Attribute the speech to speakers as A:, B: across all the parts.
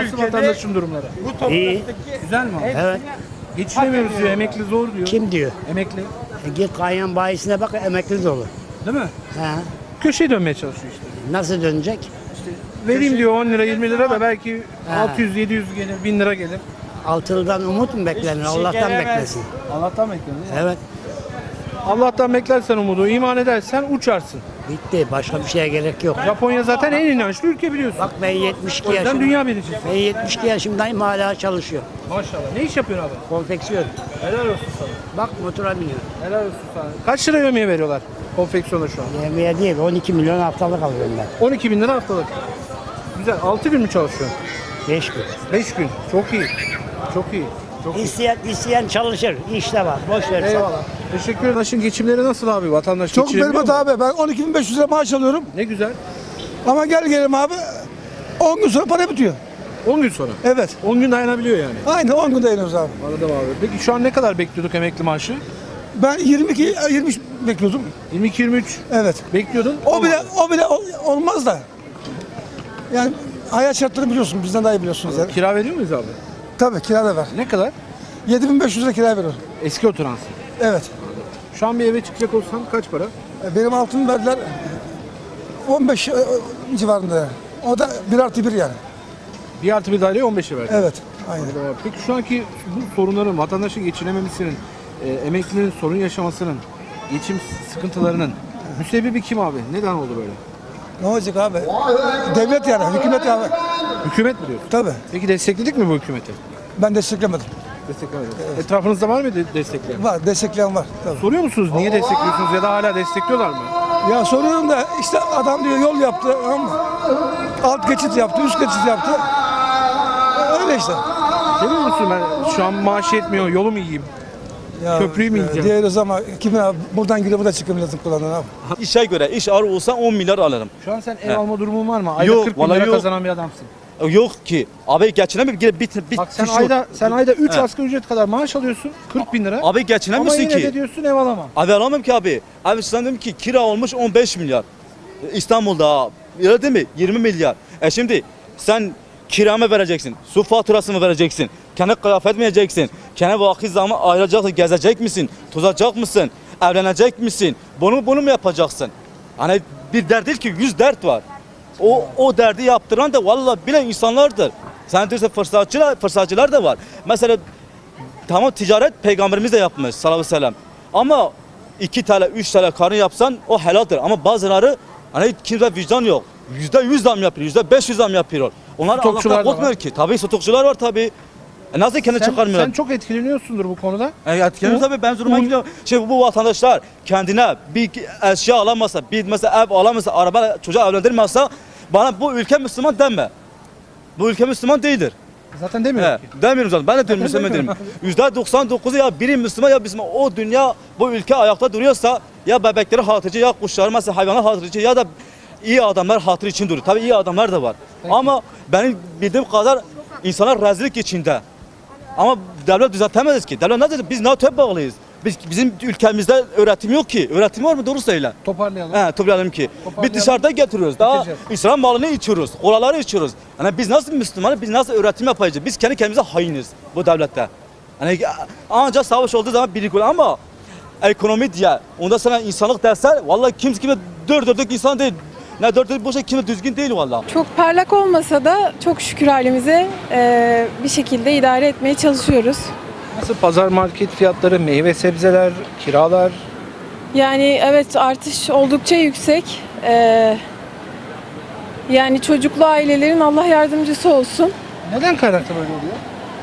A: Nasıl vatandaşın durumları?
B: İyi.
A: Güzel mi abi?
B: Evet.
A: Geçinemiyoruz diyor, emekli zor diyor.
B: Kim diyor?
A: Emekli.
B: Git kaynan bayisine bak, emekli dolu.
A: Değil mi?
B: Ha.
A: Köşeye dönmeye çalışıyor işte.
B: Nasıl dönecek?
A: Vereyim diyor 10 lira 20 lira da belki
B: Ha.
A: 600-700 gelir 1000 lira gelir.
B: Altılıdan umut mu beklenir? Allah'tan beklesin.
A: Allah'tan bekliyorum.
B: Evet.
A: Allah'tan beklersen umudu, iman edersen uçarsın.
B: Bitti. Başka bir şeye gerek yok.
A: Japonya zaten en inançlı ülke biliyorsun.
B: Bak ben 72
A: O yüzden
B: yaşındayım.
A: dünya birincisi.
B: Ben 72 yaşındayım, hala çalışıyor.
A: Maşallah. Ne iş yapıyorsun abi?
B: Konfeksiyon.
A: Helal olsun sana.
B: Bak motora biniyor.
A: Helal olsun sana. Kaç lira yemeğe veriyorlar konfeksiyona şu an?
B: Yemeğe değil, 12 milyon haftalık alıyorum ben.
A: 12 bin lira haftalık. Güzel. 6 gün mü çalışıyorsun?
B: 5 gün.
A: 5 gün. Çok iyi. Çok iyi. Çok iyi.
B: İsteyen çalışır. İşte var. Boş ver.
A: Eyvallah. Teşekkür ederim. Vatandaşın geçimleri nasıl abi? Vatandaş
C: Çok
A: geçirebiliyor
C: berbat
A: mu?
C: abi. Ben 12.500 lira maaş alıyorum.
A: Ne güzel.
C: Ama gel gelelim abi. 10 gün sonra para bitiyor.
A: 10 gün sonra.
C: Evet.
A: 10 gün dayanabiliyor yani.
C: Aynen 10 gün dayanıyoruz abi.
A: Anladım abi. Peki şu an ne kadar bekliyorduk emekli maaşı?
C: Ben 23 bekliyordum.
A: 22-23
C: Evet.
A: bekliyordun.
C: O bile olmaz da. Yani hayat şartlarını biliyorsun. Bizden daha iyi biliyorsunuz yani.
A: Kira veriyor muyuz abi?
C: Tabii kira da var.
A: Ne kadar?
C: 7.500 lira kira veriyorum.
A: Eski oturansın.
C: Evet.
A: Şu an bir eve çıkacak olsan kaç para?
C: Benim altın verdiler 15 civarında yani. O da 1+1 yani.
A: 1 artı bir daireye 15'e verdi.
C: Evet. Aynen.
A: Anladım abi. Peki şu anki bu sorunların, vatandaşın geçinememesinin, emeklinin sorun yaşamasının, geçim sıkıntılarının müsebbibi kim abi? Neden oldu böyle?
C: Ne olacak abi? Devlet yani, hükümet yani.
A: Hükümet mi diyorsun?
C: Tabii.
A: Peki destekledik mi bu hükümeti?
C: Ben desteklemedim.
A: Desteklemedik. Etrafınızda var mıydı destekleyen?
C: Var, destekleyen var. Tabii.
A: Soruyor musunuz niye destekliyorsunuz ya da hala destekliyorlar mı?
C: Ya soruyorum da işte adam diyor yol yaptı ama alt geçit yaptı, üst geçit yaptı. Öyle işte.
A: Demiyor musun ben şu an maaş yetmiyor, yolu mu yiyeyim?
C: Ya,
A: Köprüyü mü yiyeceğim?
C: Diyoruz ama kimin abi buradan giriyor buradan çıkıyor milletin kulağından abi.
D: İşe göre iş ağır olsa 10 milyar alırım.
A: Şu an sen ev alma durumun var mı? Ayda
D: Yok,
A: 40 bin
D: vallahi
A: lira
D: yok.
A: kazanan bir adamsın.
D: Yok ki. Abi geçinemiyorum. Bir
A: Bak sen
D: şu-
A: ayda 3
D: He.
A: asgari ücret kadar maaş alıyorsun. 40 bin lira.
D: Abi
A: Ama
D: geçinemiyorsun
A: yine de
D: ki.
A: diyorsun ev alamam.
D: Abi alamam ki abi. Abi sen dedim ki kira olmuş 15 milyar. İstanbul'da öyle değil mi? 20 milyar. Şimdi sen kira mı vereceksin? Su faturası mı vereceksin? Kendi kıyafet mi yiyeceksin? Kendi vakit zamanı ayıracaksın. Gezecek misin? Tozacak mısın? Evlenecek misin? Bunu mu yapacaksın? Hani bir dert değil ki 100 dert var. O derdi yaptıran da vallahi bilen insanlardır. Sen diyorsun fırsatçılar da var. Mesela tamam ticaret peygamberimiz de yapmış sallallahu aleyhi ve sellem. Ama 2 TL 3 TL karın yapsan o helaldir. Ama bazıları hani kimse vicdan yok. %100 zam yapıyor, %500 zam yapıyor. Onlar
A: Stokçular
D: Allah'tan
A: da var.
D: korkmuyor ki. Tabii stokçular var tabii. Nasıl kendi çıkarmıyorlar?
A: Sen çok etkileniyorsundur bu konuda.
D: Etkileniyor tabii ben zoruma gidiyor. Bu vatandaşlar kendine bir eşya alamasa, bir mesela ev alamasa, araba çocuğa evlendirmezse bana bu ülke Müslüman deme. Bu ülke Müslüman değildir.
A: Zaten demiyorum ki.
D: Demiyorum zaten. Ben de diyorum Müslüman değilim. %99'u ya biri Müslüman ya Müslüman. O dünya, bu ülke ayakta duruyorsa ya bebekleri hatırcı ya kuşları mesela hayvanlar hatırcı ya da iyi adamlar hatır için duruyor. Tabii iyi adamlar da var. Ama benim bildiğim kadar insanlar rezillik içinde. Ama devlet düzeltemez ki. Devlet ne dedi? Biz NATO'ya bağlıyız. Bizim ülkemizde öğretim yok ki. Öğretim var mı? Doğru söyle.
A: Toparlayalım.
D: Toplayalım ki.
A: Toparlayalım.
D: Biz dışarıda getiriyoruz. Daha
A: Getireceğiz.
D: İsrail malını içiyoruz. Kolaları içiyoruz. Yani biz nasıl Müslümanız? Biz nasıl öğretim yapacağız? Biz kendi kendimize hainiz bu devlette. Hani ancak savaş olduğu zaman birlik olur ama ekonomi diye onda sana insanlık dersen vallahi kimse dört dörtlük insan değil. Ne dört dörtlük boşa kimse düzgün değil vallahi.
E: Çok parlak olmasa da çok şükür halimize bir şekilde idare etmeye çalışıyoruz.
A: Nasıl pazar market fiyatları, meyve sebzeler, kiralar?
E: Yani evet artış oldukça yüksek. Yani çocuklu ailelerin Allah yardımcısı olsun.
A: Neden kaynaklı böyle oluyor?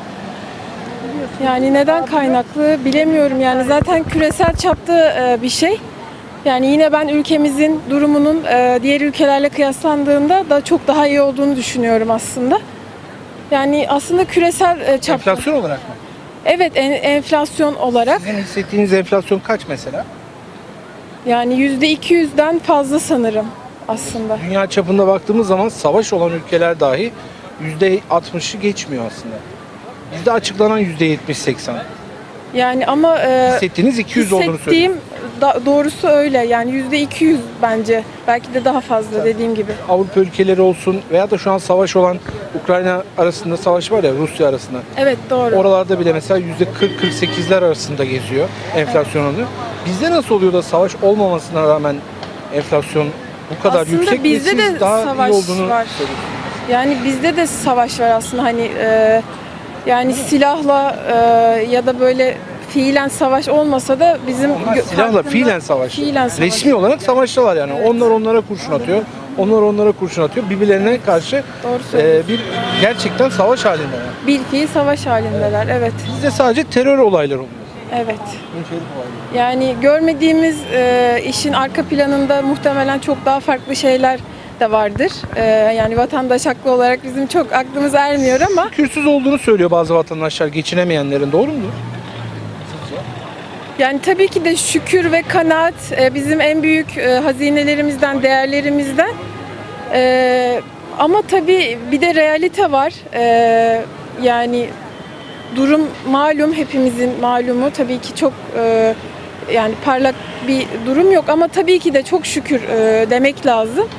E: Yani neden kaynaklı bilemiyorum. Yani zaten küresel çapta bir şey. Yani yine ben ülkemizin durumunun diğer ülkelerle kıyaslandığında da çok daha iyi olduğunu düşünüyorum aslında. Yani aslında küresel çapta.
A: Enflasyon olarak mı?
E: Evet enflasyon olarak.
A: Sizin hissettiğiniz enflasyon kaç mesela?
E: Yani %200'den fazla sanırım aslında.
A: Dünya çapında baktığımız zaman savaş olan ülkeler dahi %60'ı geçmiyor aslında. Bizde açıklanan %70-80.
E: Yani ama
A: Hissettiğiniz 200 olduğunu
E: hissettiğim
A: söylüyor.
E: doğrusu öyle. Yani %200 bence. Belki de daha fazla dediğim gibi.
A: Avrupa ülkeleri olsun veya da şu an savaş olan Ukrayna arasında savaş var ya, Rusya arasında.
E: Evet, doğru.
A: Oralarda bile mesela %40-48'ler arasında geziyor enflasyon oranı. Bizde nasıl oluyor da savaş olmamasına rağmen enflasyon bu kadar
E: Aslında
A: yüksek ve
E: bizde
A: siz
E: de
A: daha
E: savaş
A: iyi olduğunu
E: var.
A: söylüyorsunuz?
E: Yani bizde de savaş var aslında, hani yani silahla ya da böyle fiilen savaş olmasa da bizim
A: Onlar silahla
E: farkında-
A: fiilen savaş.
E: Fiilen savaş.
A: Resmi olarak savaştalar yani.
E: Evet.
A: Onlar onlara kurşun atıyor. Onlar onlara kurşun atıyor. Birbirlerine karşı
E: Doğru söylüyorsun.
A: bir gerçekten savaş halindeler.
E: Bilfiil savaş halindeler. Evet.
A: Bizde sadece terör olayları oluyor.
E: Evet.
A: Münferit olayları.
E: Yani görmediğimiz işin arka planında muhtemelen çok daha farklı şeyler de vardır. Yani vatandaş haklı olarak bizim çok aklımız ermiyor ama
A: Kürsüz olduğunu söylüyor bazı vatandaşlar, geçinemeyenlerin. Doğru mudur?
E: yani tabii ki de şükür ve kanaat bizim en büyük hazinelerimizden, değerlerimizden. Ama tabii bir de realite var. Yani durum malum, hepimizin malumu. Tabii ki çok yani parlak bir durum yok ama tabii ki de çok şükür demek lazım.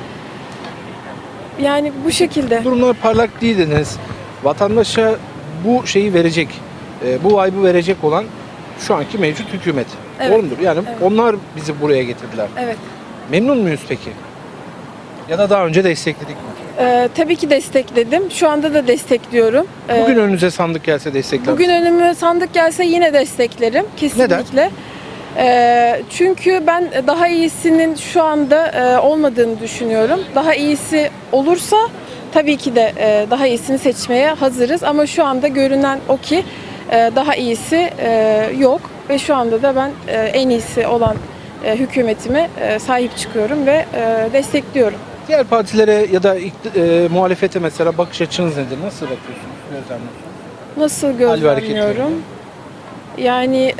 E: Yani bu şekilde.
A: Durumlar parlak değil dediniz. Vatandaşa bu şeyi verecek, bu vibe'ı verecek olan şu anki mevcut hükümet.
E: Evet.
A: Doğru mudur? Yani
E: Evet.
A: onlar bizi buraya getirdiler.
E: Evet.
A: Memnun muyuz peki? Ya da daha önce destekledik mi?
E: Tabii ki destekledim. Şu anda da destekliyorum.
A: Bugün önünüze sandık gelse destekler
E: Bugün
A: misiniz?
E: önüme sandık gelse yine desteklerim. Kesinlikle. Çünkü ben daha iyisinin şu anda olmadığını düşünüyorum. Daha iyisi olursa tabii ki de daha iyisini seçmeye hazırız. Ama şu anda görünen o ki daha iyisi yok. Ve şu anda da ben en iyisi olan hükümetime sahip çıkıyorum ve destekliyorum.
A: Diğer partilere ya da muhalefete mesela bakış açınız nedir? Nasıl bakıyorsunuz? Gözlemliyorsunuz?
E: Nasıl
A: Hal ve hareketlerine.
E: gözlemliyorum? Yani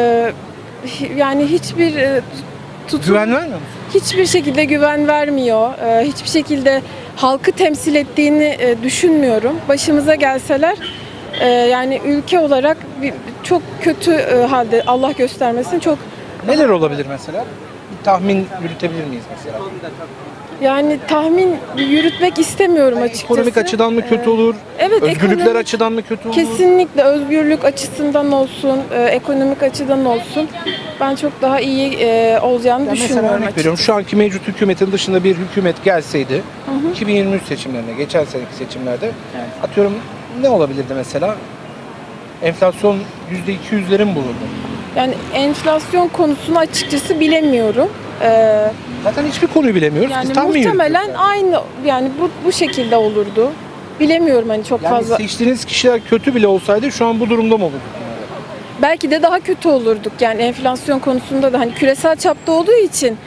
E: yani hiçbir tutum,
A: Güven vermiyor musunuz?
E: hiçbir şekilde güven vermiyor. Hiçbir şekilde halkı temsil ettiğini düşünmüyorum. Başımıza gelseler yani ülke olarak çok kötü halde, Allah göstermesin, çok
A: Neler olabilir mesela? Bir tahmin yürütebilir miyiz mesela?
E: yani tahmin yürütmek istemiyorum açıkçası.
A: Ekonomik açıdan mı kötü olur?
E: Evet,
A: Özgürlükler
E: ekonomik-
A: açıdan mı kötü olur?
E: Kesinlikle özgürlük açısından olsun, ekonomik açıdan olsun. Ben çok daha iyi olacağını
A: Ya mesela
E: düşünmüyorum
A: örnek
E: açıkçası.
A: veriyorum, şu anki mevcut hükümetin dışında bir hükümet gelseydi 2023 seçimlerine, geçen seneki seçimlerde atıyorum ne olabilirdi mesela? Enflasyon %200'lerin mi bulurdu?
E: Yani enflasyon konusunu açıkçası bilemiyorum.
A: Zaten hiçbir konuyu bilemiyoruz.
E: Yani
A: Biz tahmin
E: muhtemelen
A: yürütüyoruz
E: aynı, yani bu şekilde olurdu. Bilemiyorum hani çok
A: yani. Yani
E: fazla.
A: seçtiğiniz kişiler kötü bile olsaydı şu an bu durumda mı olurduk?
E: Belki de daha kötü olurduk. Yani enflasyon konusunda da hani küresel çapta olduğu için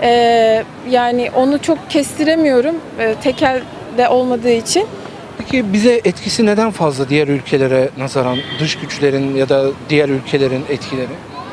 E: yani onu çok kestiremiyorum. Tekel de olmadığı için.
A: Peki bize etkisi neden fazla diğer ülkelere nazaran, dış güçlerin ya da diğer ülkelerin etkileri?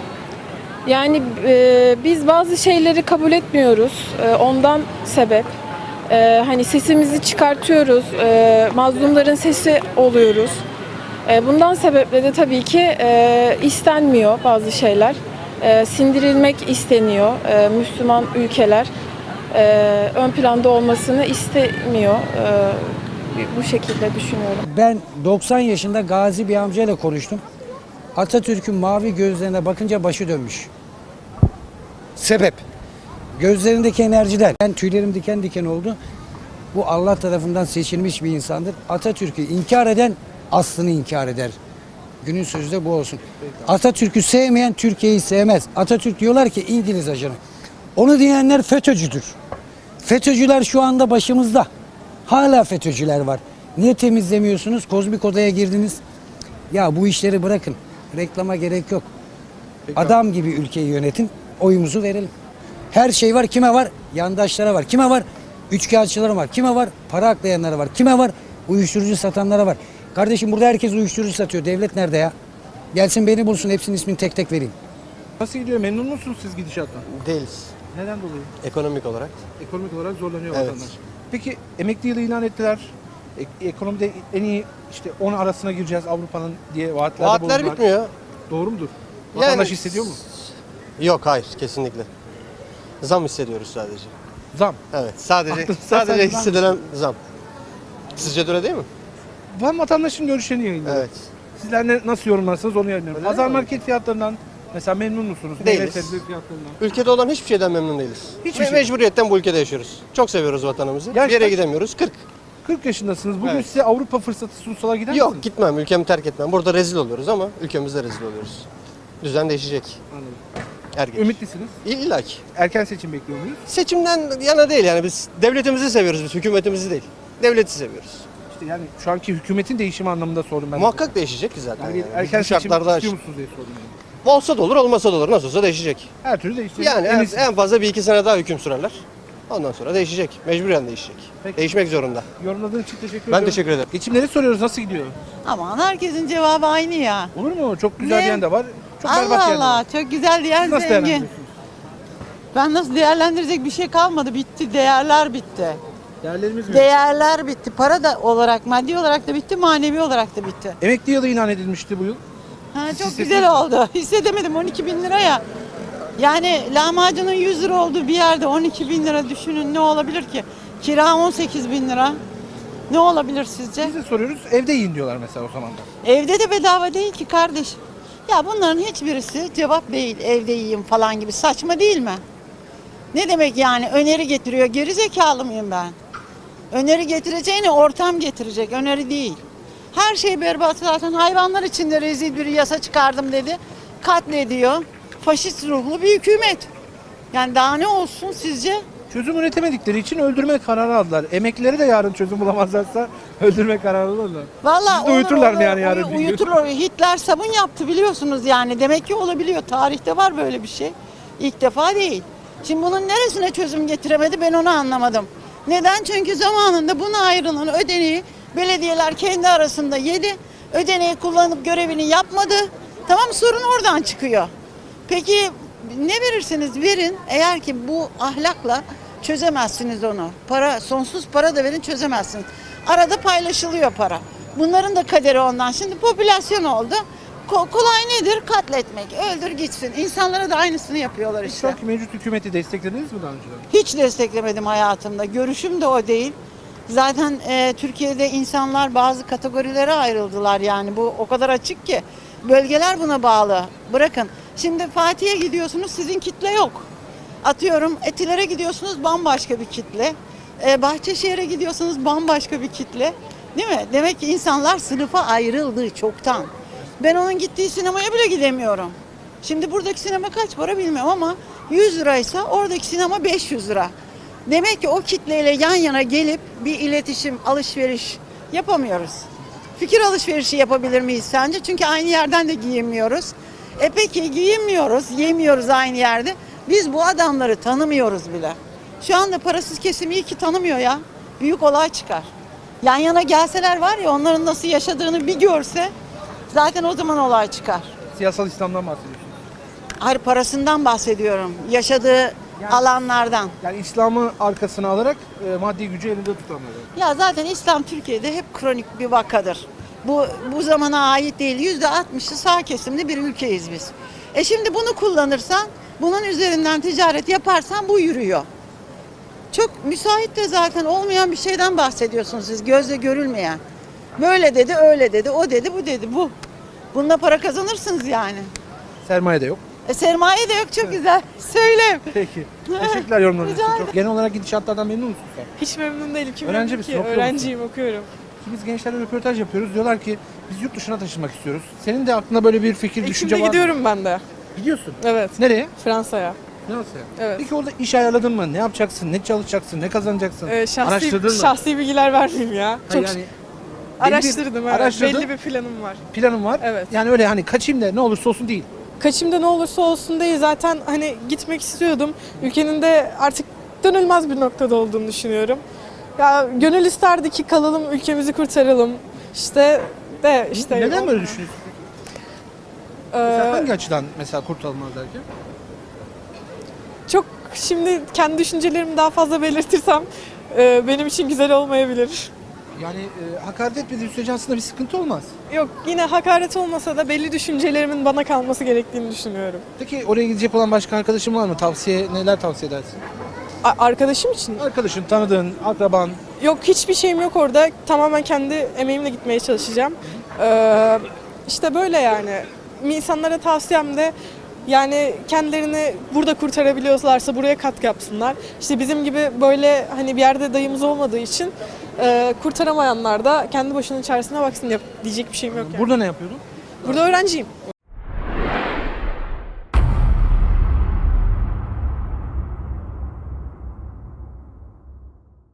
E: Yani biz bazı şeyleri kabul etmiyoruz. Ondan sebep. Hani sesimizi çıkartıyoruz. Mazlumların sesi oluyoruz. Bundan sebeple de tabii ki istenmiyor bazı şeyler. Sindirilmek isteniyor. Müslüman ülkeler ön planda olmasını istemiyor. Bu şekilde düşünüyorum.
F: Ben 90 yaşında gazi bir amcayla konuştum. Atatürk'ün mavi gözlerine bakınca başı dönmüş. Sebep? Gözlerindeki enerjiler. Ben tüylerim diken diken oldu. Bu Allah tarafından seçilmiş bir insandır. Atatürk'ü inkar eden aslını inkar eder. Günün sözü de bu olsun. Atatürk'ü sevmeyen Türkiye'yi sevmez. Atatürk diyorlar ki İngiliz ajanı. Onu diyenler FETÖ'cüdür. FETÖ'cüler şu anda başımızda. Hala FETÖ'cüler var. Niye temizlemiyorsunuz? Kozmik odaya girdiniz. Ya bu işleri bırakın. Reklama gerek yok. Adam gibi ülkeyi yönetin. Oyumuzu verelim. Her şey var. Kime var? Yandaşlara var. Kime var? Üçkağıtçılara var. Kime var? Para aklayanlara var. Kime var? Uyuşturucu satanlara var. Kardeşim burada herkes uyuşturucu satıyor. Devlet nerede ya? Gelsin beni bulsun. Hepsinin ismini tek tek vereyim.
A: Nasıl gidiyor? Memnun musunuz siz gidişattan?
G: Değiliz.
A: Neden dolayı?
G: Ekonomik olarak.
A: Ekonomik olarak zorlanıyor
G: Evet.
A: vatandaş. Peki emekli yılı ilan ettiler. Ekonomide en iyi işte 10 arasına gireceğiz Avrupa'nın diye vaatlerde
G: Vaatler
A: bulundular.
G: bitmiyor.
A: Doğru mudur?
G: Yani-
A: Vatandaş hissediyor mu?
G: Yok, hayır, kesinlikle. Zam hissediyoruz sadece.
A: Zam.
G: Evet, sadece
A: Aklınızda
G: sadece
A: sadece
G: hissedilen zam. Sizce de öyle değil mi?
A: Ben vatandaşın görüşlerini yayınlıyorum.
G: Evet.
A: Sizler nasıl yorumlarsınız onu yayınlıyorum.
G: Öyle
A: Pazar
G: mi?
A: market fiyatlarından mesela memnun musunuz?
G: Değiliz.
A: Meyve sebze fiyatlarından.
G: Ülkede olan hiçbir şeyden memnun değiliz.
A: Hiçbir şey.
G: Mecburiyetten bu ülkede yaşıyoruz. Çok seviyoruz vatanımızı.
A: Yaş
G: Bir yere
A: kaç?
G: gidemiyoruz. 40.
A: 40 yaşındasınız. Bugün
G: Evet.
A: size Avrupa fırsatı sunsalar gider
G: Yok,
A: misiniz?
G: gitmem. Ülkemi terk etmem. Burada rezil oluyoruz ama ülkemizde rezil oluyoruz. Düzen değişecek.
A: Anladım.
G: Er geç.
A: Ümitlisiniz.
G: İlla ki.
A: Erken seçim bekliyor muyuz?
G: Seçimden yana değil yani, biz devletimizi seviyoruz, biz hükümetimizi değil. Devleti seviyoruz.
A: İşte yani şu anki hükümetin değişimi anlamında sordum ben.
G: Muhakkak değişecek ki zaten.
A: Yani
G: Yani.
A: erken
G: Bu
A: seçim
G: şartlarda
A: istiyor musunuz diye sordum. Yani.
G: olsa da olur, olmasa da olur. Nasıl olsa değişecek.
A: Her türlü değişecek.
G: Yani
A: Eminsiniz.
G: en fazla 1-2 sene daha hüküm sürerler. Ondan sonra değişecek. Mecburen değişecek.
A: Peki.
G: Değişmek zorunda.
A: Yorumladığın için teşekkür
G: Ben
A: ediyorum.
G: teşekkür ederim.
A: Geçimleri soruyoruz nasıl gidiyor?
H: Aman herkesin cevabı aynı ya.
A: Olur mu? Çok güzel
H: Ne?
A: diyen de var. Çok berbat
H: Allah
A: diyen de var.
H: Allah çok güzel diyen
A: Siz nasıl
H: zengin.
A: değerlendiriyorsunuz?
H: Ben nasıl değerlendirecek bir şey kalmadı. Bitti. Değerler bitti.
A: Değerlerimiz mi?
H: Değerler bitti. Para da olarak, maddi olarak da bitti, manevi olarak da bitti.
A: Emekli yılı ilan edilmişti bu yıl.
H: Ha, çok
A: hissettiniz
H: güzel oldu. Hissedemedim 12 bin lira ya. Yani lahmacunun 100 lira olduğu bir yerde 12 bin lira düşünün ne olabilir ki? Kira 18 bin lira. Ne olabilir sizce?
A: Biz de soruyoruz. Evde yiyin diyorlar mesela o zaman da.
H: Evde de bedava değil ki kardeş. Ya bunların hiçbirisi cevap değil. Evde yiyeyim falan gibi saçma değil mi? Ne demek yani öneri getiriyor? Geri zekalı mıyım ben? Öneri getireceğine ortam getirecek. Öneri değil. Her şey berbat zaten. Hayvanlar için de rezil bir yasa çıkardım dedi. Katlediyor. Faşist ruhlu bir hükümet. Yani daha ne olsun sizce?
A: Çözüm üretemedikleri için öldürme kararı aldılar. Emeklileri de yarın çözüm bulamazlarsa öldürme kararı alırlar.
H: Vallahi
A: Siz de uyuturlar mı yani yarın bir gün?
H: Uyuturlar. Hitler sabun yaptı biliyorsunuz yani. Demek ki olabiliyor. Tarihte var böyle bir şey. İlk defa değil. Şimdi bunun neresine çözüm getiremedi ben onu anlamadım. Neden? Çünkü zamanında buna ayrılan ödeneği belediyeler kendi arasında yedi. Ödeneği kullanıp görevini yapmadı. Tamam sorun oradan çıkıyor. Peki ne verirseniz verin eğer ki bu ahlakla çözemezsiniz onu. Para, sonsuz para da verin çözemezsiniz. Arada paylaşılıyor para. Bunların da kaderi ondan. Şimdi popülasyon oldu. Kolay nedir? Katletmek. Öldür gitsin. İnsanlara da aynısını yapıyorlar
A: Şu
H: işte.
A: anki mevcut hükümeti desteklediniz mi daha önceden?
H: Hiç desteklemedim hayatımda. Görüşüm de o değil. Zaten Türkiye'de insanlar bazı kategorilere ayrıldılar yani. Bu o kadar açık ki. Bölgeler buna bağlı. Bırakın. Şimdi Fatih'e gidiyorsunuz sizin kitle yok. Atıyorum Etiler'e gidiyorsunuz bambaşka bir kitle. Bahçeşehir'e gidiyorsunuz bambaşka bir kitle. Değil mi? Demek ki insanlar sınıfa ayrıldı çoktan. Ben onun gittiği sinemaya bile gidemiyorum. Şimdi buradaki sinema kaç para bilmiyorum ama 100 liraysa oradaki sinema 500 lira. Demek ki o kitleyle yan yana gelip bir iletişim, alışveriş yapamıyoruz. Fikir alışverişi yapabilir miyiz sence? Çünkü aynı yerden de giyinmiyoruz. Peki giyinmiyoruz, yemiyoruz aynı yerde. Biz bu adamları tanımıyoruz bile. Şu anda parasız kesim iyi ki tanımıyor ya. Büyük olay çıkar. Yan yana gelseler var ya onların nasıl yaşadığını bir görse zaten o zaman olay çıkar.
A: Siyasal İslam'dan bahsediyorsunuz.
H: Hayır parasından bahsediyorum. Yaşadığı alanlardan.
A: Yani İslam'ı arkasına alarak maddi gücü elinde tutanları.
H: Ya zaten İslam Türkiye'de hep kronik bir vakadır. Bu zamana ait değil. %60'ı sağ kesimli bir ülkeyiz biz. Şimdi bunu kullanırsan, bunun üzerinden ticaret yaparsan bu yürüyor. Çok müsait de zaten olmayan bir şeyden bahsediyorsunuz siz. Gözle görülmeyen. Böyle dedi, öyle dedi, o dedi, bu dedi, bu. Bununla para kazanırsınız yani.
A: Sermaye de yok.
H: Sermaye de yok çok güzel. Söyle.
A: Peki. Teşekkürler yorumlarınız için.
H: Rica
A: Çok. Genel olarak gidişatlardan memnun musun sen?
E: Hiç memnun değilim. Kim
A: Öğrenci
E: memnun
A: misin,
E: ki?
A: okuyor musun?
E: Öğrenciyim, okuyorum.
A: Şimdi biz gençlerle röportaj yapıyoruz. Diyorlar ki biz yurt dışına taşınmak istiyoruz. Senin de aklında böyle bir fikir, düşünce
E: Ekim'de
A: var mı?
E: gidiyorum ben de.
A: Gidiyorsun.
E: Evet.
A: Nereye?
E: Fransa'ya.
A: Nasıl?
E: Evet.
A: Peki orada iş ayarladın mı? Ne yapacaksın? Ne çalışacaksın? Ne kazanacaksın? Araştırdın mı?
E: Şahsi bilgiler vermeyeyim ya. Çok
A: Yani
E: araştırdım evet.
A: araştırdın.
E: Belli bir planım var.
A: planın var.
E: Evet.
A: Yani öyle hani kaçayım da ne olursa olsun değil.
E: Kaçımda ne olursa olsun değil. Zaten hani gitmek istiyordum. Ülkenin de artık dönülmez bir noktada olduğunu düşünüyorum. Ya gönül isterdi ki kalalım, ülkemizi kurtaralım. İşte
A: Neden böyle düşünüyorsun? Mesela
E: Ee,
A: hangi açıdan mesela kurtulmaz derken?
E: çok şimdi kendi düşüncelerimi daha fazla belirtirsem benim için güzel olmayabilir.
A: Yani hakaret etmediği sürece aslında bir sıkıntı olmaz.
E: Yok, yine hakaret olmasa da belli düşüncelerimin bana kalması gerektiğini düşünüyorum.
A: Peki oraya gidecek olan başka arkadaşın var mı? Neler tavsiye edersin?
E: Arkadaşım için
A: Arkadaşın, tanıdığın, akraban.
E: yok, hiçbir şeyim yok orada. Tamamen kendi emeğimle gitmeye çalışacağım. İşte böyle yani. İnsanlara tavsiyem de yani kendilerini burada kurtarabiliyorlarsa buraya katkı yapsınlar. İşte bizim gibi böyle hani bir yerde dayımız olmadığı için kurtaramayanlar da kendi başının çaresine baksın, diyecek bir şeyim yok yani.
A: Burada ne yapıyordun?
E: Burada öğrenciyim.